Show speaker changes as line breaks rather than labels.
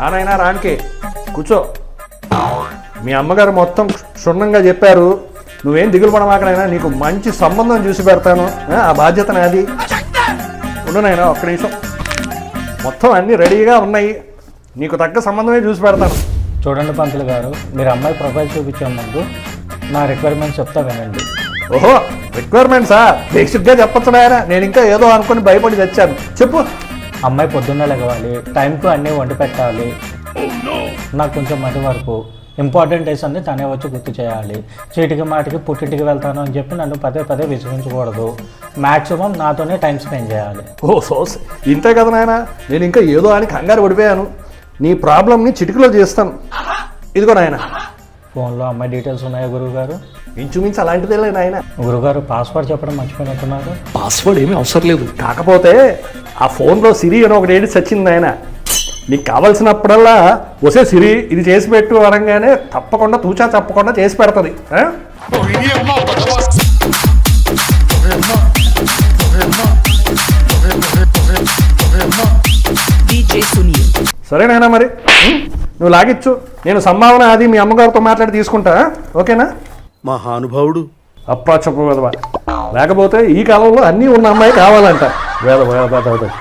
రానైనా రానికి కూర్చో. మీ అమ్మగారు మొత్తం క్షుణ్ణంగా చెప్పారు. నువ్వేం దిగులు పడమాకనైనా, నీకు మంచి సంబంధం చూసి పెడతాను. ఆ బాధ్యత నాది. ఉండునైనా ఒక్క నిమిషం. మొత్తం అన్నీ రెడీగా ఉన్నాయి. నీకు తగ్గ సంబంధమే చూసి పెడతాను.
చూడండి పంతులు గారు, మీరు అమ్మాయి ప్రొఫైల్ చూపించే ముందు నా రిక్వైర్మెంట్స్ చెప్తా వినండి.
ఓహో, రిక్వైర్మెంట్సా? బేసిక్గా చెప్పచ్చు నాయన. నేను ఇంకా ఏదో అనుకుని భయపడి తెచ్చాను. చెప్పు.
అమ్మాయి పొద్దున్నే లెగవాలి, టైంకు అన్నీ వండి పెట్టాలి, నాకు కొంచెం మధ్య వరకు ఇంపార్టెంట్ డేస్ అన్ని తనే వచ్చి గుర్తు చేయాలి. చీటికి మాటికి పుట్టింటికి వెళ్తాను అని చెప్పి నన్ను పదే పదే విసిగించకూడదు. మ్యాక్సిమం నాతోనే టైం స్పెండ్ చేయాలి.
ఓ సోస్, ఇంతే కదా నాయన. నేను ఇంకా ఏదో అని కంగారు పడిపోయాను. నీ ప్రాబ్లమ్ని చిటికలో చేస్తాను. ఇదిగో నాయన.
ఫోన్లో అమ్మాయి డీటెయిల్స్ ఉన్నాయా గురువుగారు?
ఇంచుమించు అలాంటిదేలే నాయన.
గురువుగారు పాస్వర్డ్ చెప్పడం మర్చిపోయినట్టున్నారు.
పాస్వర్డ్ ఏమీ అవసరం లేదు. కాకపోతే ఆ ఫోన్లో సిరి అని ఒకటి ఏడి సచ్చింది నాయన. నీకు కావాల్సినప్పుడల్లా వసే సిరి ఇది చేసి పెట్టు అనగానే తప్పకుండా తూచా తప్పకుండా చేసి పెడుతుంది. సరేనాయనా, మరి నువ్వు లాగిచ్చు. నేను సంభావన అది మీ అమ్మగారితో మాట్లాడి తీసుకుంటా. ఓకేనా?
మహానుభావుడు.
అప్పా చెప్పు వెదవా. లేకపోతే ఈ కాలంలో అన్నీ ఉన్న అమ్మాయి కావాలంట. వేద